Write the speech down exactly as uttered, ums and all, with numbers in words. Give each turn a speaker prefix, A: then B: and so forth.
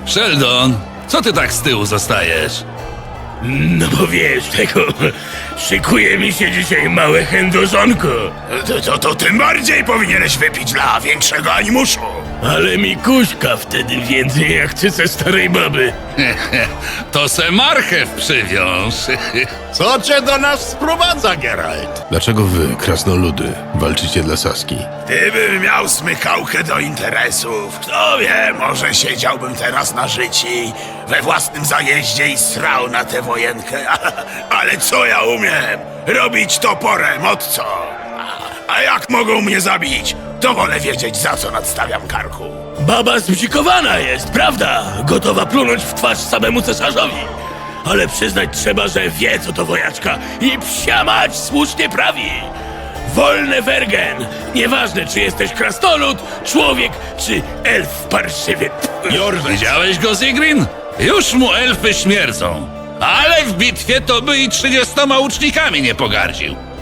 A: Sheldon, co ty tak z tyłu zostajesz?
B: No bo wiesz, tego... Szykuje mi się dzisiaj małe chędożonko.
C: To, to, to tym bardziej powinieneś wypić dla większego animuszu.
B: Ale mi kuśka wtedy więcej jak ty ze starej baby.
A: To se marchew przywiąż.
C: Co cię do nas sprowadza, Geralt?
D: Dlaczego wy, krasnoludy, walczycie dla Saski?
C: Gdybym miał smykałkę do interesów, kto wie, może siedziałbym teraz na życi we własnym zajeździe i srał na tę wojenkę. Ale co ja umiem? Robić toporem, od co? A, a jak mogą mnie zabić, to wolę wiedzieć, za co nadstawiam karku.
B: Baba zbzikowana jest, prawda? Gotowa plunąć w twarz samemu cesarzowi. Ale przyznać trzeba, że wie co to wojaczka i psia mać słusznie prawi. Wolne wergen! Nieważne, czy jesteś krasnolud, człowiek, czy elf parszywy.
A: Widziałeś go, Zigrin? Już mu elfy śmierdzą. Ale w bitwie to by i trzydziestoma łucznikami nie pogardził.